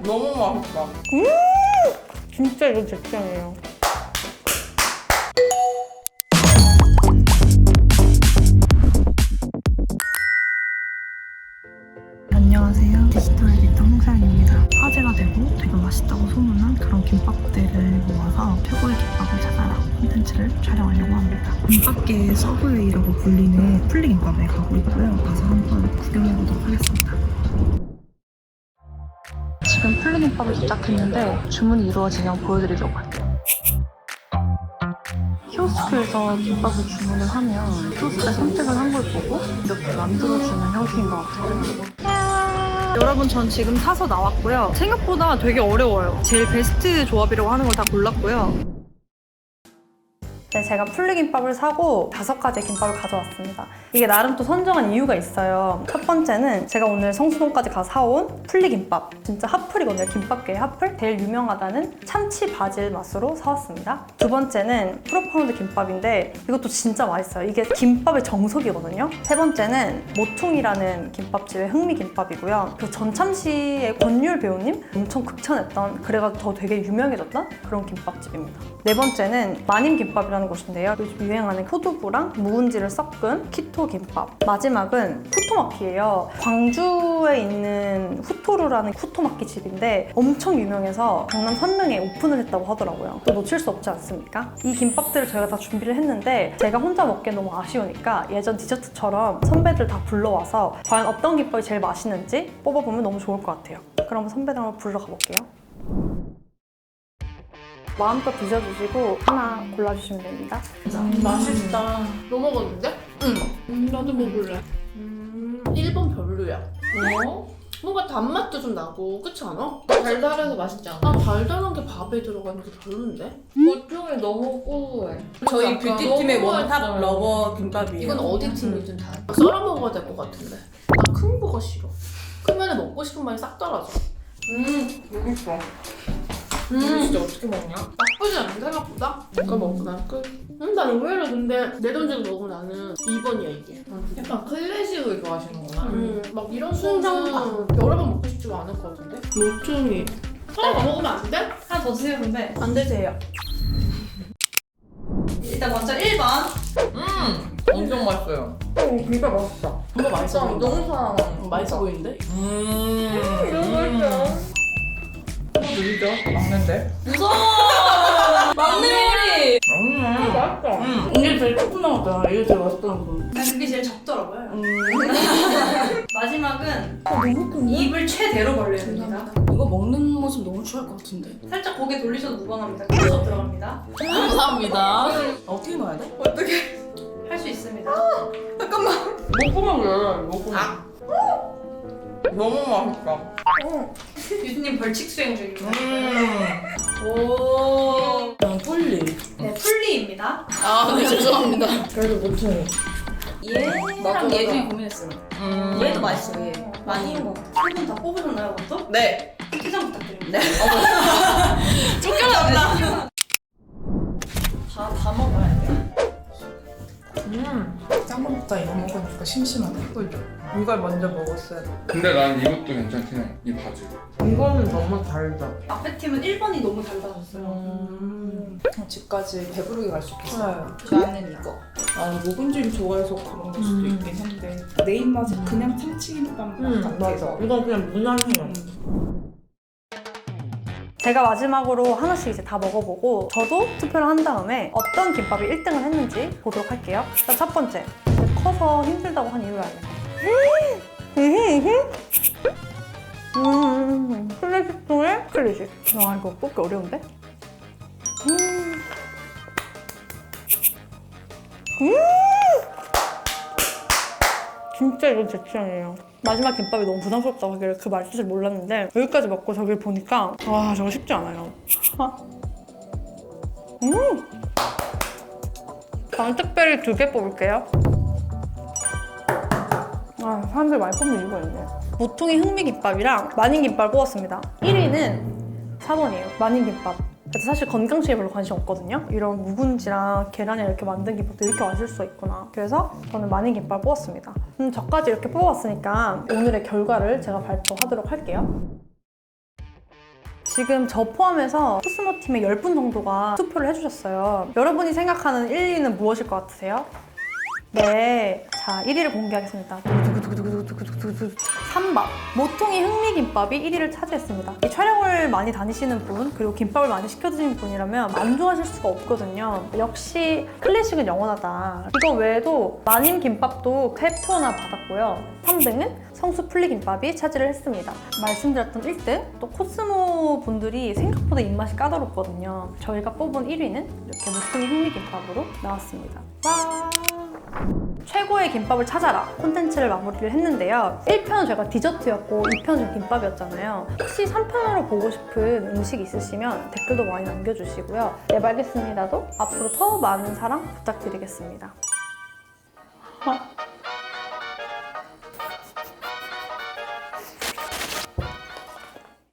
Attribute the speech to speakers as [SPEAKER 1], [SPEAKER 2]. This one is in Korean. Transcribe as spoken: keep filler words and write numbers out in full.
[SPEAKER 1] 너무 맛있다.
[SPEAKER 2] 음! 진짜 이거 제 취향이에요.
[SPEAKER 3] 안녕하세요. 디지털 에디터 홍사연입니다. 화제가 되고 되게 맛있다고 소문난 그런 김밥들을 모아서 최고의 김밥을 찾아라 콘텐츠를 촬영하려고 합니다. 김밥계의 서브웨이라고 불리는 풀리김밥에 가고 있고요. 가서 한번 구경해보도록 하겠습니다. 지금 풀리김밥을 도착했는데 주문이 이루어지면 보여드리려고 할게요. 키오스크에서 김밥을 주문을 하면 키오스크에 선택을 한 걸 보고 이렇게 만들어주는 형식인 것 같아요. 여러분, 전 지금 사서 나왔고요. 생각보다 되게 어려워요. 제일 베스트 조합이라고 하는 걸 다 골랐고요. 네, 제가 풀리김밥을 사고 다섯 가지 김밥을 가져왔습니다. 이게 나름 또 선정한 이유가 있어요. 첫 번째는 제가 오늘 성수동까지 가서 사온 풀리김밥. 진짜 핫플이거든요. 김밥계의 핫플. 제일 유명하다는 참치 바질 맛으로 사왔습니다. 두 번째는 프로파운드 김밥인데 이것도 진짜 맛있어요. 이게 김밥의 정석이거든요. 세 번째는 모퉁이라는 김밥집의 흥미김밥이고요. 그 전참시의 권율 배우님 엄청 극찬했던, 그래가지고 더 되게 유명해졌던 그런 김밥집입니다. 네 번째는 마님김밥이라는 곳인데요. 요즘 유행하는 포도부랑 묵은지를 섞은 키토 김밥. 마지막은 후토마키예요. 광주에 있는 후토루라는 후토마키 집인데 엄청 유명해서 강남 선명에 오픈을 했다고 하더라고요. 또 놓칠 수 없지 않습니까? 이 김밥들을 저희가 다 준비를 했는데 제가 혼자 먹기엔 너무 아쉬우니까 예전 디저트처럼 선배들 다 불러와서 과연 어떤 김밥이 제일 맛있는지 뽑아보면 너무 좋을 것 같아요. 그럼 선배들 한번 불러 가볼게요. 마음껏 드셔주시고 하나 골라주시면 됩니다.
[SPEAKER 1] 음, 맛있다. 너 먹었는데?
[SPEAKER 2] 응.
[SPEAKER 1] 음, 나도 먹을래. 음, 일 번 별로야. 어? 뭔가 단맛도 좀 나고, 그렇지 않아?
[SPEAKER 4] 달달해서 맛있지 않아?
[SPEAKER 1] 아, 달달한 게 밥에 들어가는 게 별론데?
[SPEAKER 4] 보통이 너무 고소해.
[SPEAKER 5] 저희
[SPEAKER 1] 약간
[SPEAKER 5] 뷰티팀의
[SPEAKER 1] 너무
[SPEAKER 5] 원탑
[SPEAKER 1] 맛있어요.
[SPEAKER 5] 러버 김밥이에요.
[SPEAKER 1] 이건 어디 팀이든 다 썰어 먹어야 될 것 같은데. 나 큰 거가 싫어. 크면 먹고 싶은 맛이 싹 떨어져.
[SPEAKER 4] 음, 맛있어.
[SPEAKER 1] 음,
[SPEAKER 4] 진짜 어떻게 먹냐?
[SPEAKER 1] 나쁘지 않은 생각보다. 이거 먹고 난 끝. 음, 난 의외로 근데 내 돈 주고 먹으면 나는 이 번이야 이게.
[SPEAKER 4] 약간 클래식을 좋아하시는구나.
[SPEAKER 1] 음, 막 이런
[SPEAKER 2] 순정빵.
[SPEAKER 1] 거는 여러 번 먹고 싶지가 않을 것 같은데? 모퉁이. 하나 더 먹으면 안 돼?
[SPEAKER 2] 하나 더 드세요, 근데.
[SPEAKER 1] 안 되세요.
[SPEAKER 2] 일단 먼저 일 번.
[SPEAKER 4] 음, 엄청 맛있어요.
[SPEAKER 5] 어, 진짜 맛있다.
[SPEAKER 1] 정말 맛있어 보인다.
[SPEAKER 4] 너무 사랑.
[SPEAKER 1] 맛있어 보이는데?
[SPEAKER 4] 음,
[SPEAKER 1] 너무 맛있어.
[SPEAKER 4] 누리죠? 막는데?
[SPEAKER 2] 무서워! 막내 요리!
[SPEAKER 4] 음,
[SPEAKER 1] 맛있다.
[SPEAKER 4] 음.
[SPEAKER 1] 이게 제일 조금 남았잖아. 이게 제일 맛있다는 거.
[SPEAKER 2] 난 그게 제일 적더라고요.
[SPEAKER 1] 음.
[SPEAKER 2] 마지막은
[SPEAKER 1] 너무 큰데?
[SPEAKER 2] 입을 최대로 벌려야 됩니다.
[SPEAKER 1] 이거 먹는 모습 너무 취할 것 같은데.
[SPEAKER 2] 살짝 고개 돌리셔도 무방합니다. 계속 들어갑니다.
[SPEAKER 1] 감사합니다. 어떻게 넣어야 돼?
[SPEAKER 2] 할 수 있습니다.
[SPEAKER 4] 먹고만 그래, 먹고만. 너무 맛있다.
[SPEAKER 2] 유진님 벌칙 수행 중입니다.
[SPEAKER 4] 음.
[SPEAKER 2] 오.
[SPEAKER 1] 난 폴리.
[SPEAKER 2] 네, 풀리입니다.
[SPEAKER 1] 아, 네, 죄송합니다.
[SPEAKER 4] 그래도 모퉁이.
[SPEAKER 2] 얘랑 얘 중에 고민했어요.
[SPEAKER 4] 음.
[SPEAKER 5] 얘도 맛있어, 얘. 많이.
[SPEAKER 2] 세분 다 뽑으셨나요, 그것도?
[SPEAKER 4] 네.
[SPEAKER 2] 퇴장 부탁드립니다.
[SPEAKER 1] 쫓겨났다.
[SPEAKER 2] 다, 다 먹어야 돼요.
[SPEAKER 4] 음.
[SPEAKER 1] 짱거 먹자 이거 먹으니까 심심하네.
[SPEAKER 4] 그죠. 이걸 먼저 먹었어야 돼.
[SPEAKER 6] 근데 난 이것도 괜찮긴 해. 이 바질.
[SPEAKER 4] 이거는 너무 달다.
[SPEAKER 2] 앞에 팀은 일 번이 너무 달라졌어요.
[SPEAKER 1] 음.
[SPEAKER 5] 집까지 배부르게 갈 수 있겠어요.
[SPEAKER 1] 네.
[SPEAKER 5] 나는 이거.
[SPEAKER 1] 아, 묵은지를 좋아해서 그런 걸 수도 있긴 한데 내 입맛에 그냥 참치김밥
[SPEAKER 4] 음,
[SPEAKER 1] 맛
[SPEAKER 4] 맞아.
[SPEAKER 1] 같아서.
[SPEAKER 4] 이건 그냥 무난해요.
[SPEAKER 2] 제가 마지막으로 하나씩 이제 다 먹어보고 저도 투표를 한 다음에 어떤 김밥이 일 등을 했는지 보도록 할게요. 일단 첫 번째, 커서 힘들다고 한 이유를 알겠어요. 음, 클래식 중에 클래식. 와, 이거 뽑기 어려운데? 음. 음. 진짜 이건 제 취향이에요. 마지막 김밥이 너무 부담스럽다고 하길래 그 말뜻을 몰랐는데 여기까지 먹고 저기를 보니까 와, 저거 쉽지 않아요. 음! 저는 특별히 두 개 뽑을게요. 아, 사람들 많이 뽑는 이유가 있네. 모퉁이 흥미김밥이랑 마님김밥을 뽑았습니다. 일 위는 사 번이에요. 마님김밥. 그래서 사실 건강식에 별로 관심 없거든요. 이런 묵은지랑 계란이랑 이렇게 만든 김밥도 이렇게 맛있을 수가 있구나. 그래서 저는 마님김밥을 뽑았습니다. 음, 저까지 이렇게 뽑아왔으니까 오늘의 결과를 제가 발표하도록 할게요. 지금 저 포함해서 코스모 팀의 열 분 정도가 투표를 해주셨어요. 여러분이 생각하는 일 위는 무엇일 것 같으세요? 네. 자, 일 위를 공개하겠습니다. 삼 번. 모퉁이 흑미김밥이 일 위를 차지했습니다. 이 촬영을 많이 다니시는 분, 그리고 김밥을 많이 시켜 드시는 분이라면 만족하실 수가 없거든요. 역시 클래식은 영원하다. 이거 외에도 마님 김밥도 세 표나 받았고요. 삼 등은 성수 플리김밥이 차지를 했습니다. 말씀드렸던 일 등, 또 코스모 분들이 생각보다 입맛이 까다롭거든요. 저희가 뽑은 일 위는 이렇게 모퉁이 흑미김밥으로 나왔습니다. 와! 최고의 김밥을 찾아라 콘텐츠를 마무리를 했는데요. 일 편은 제가 디저트였고 이 편은 김밥이었잖아요. 혹시 삼 편으로 보고 싶은 음식 있으시면 댓글도 많이 남겨주시고요. 네, 알겠습니다도 앞으로 더 많은 사랑 부탁드리겠습니다. 어?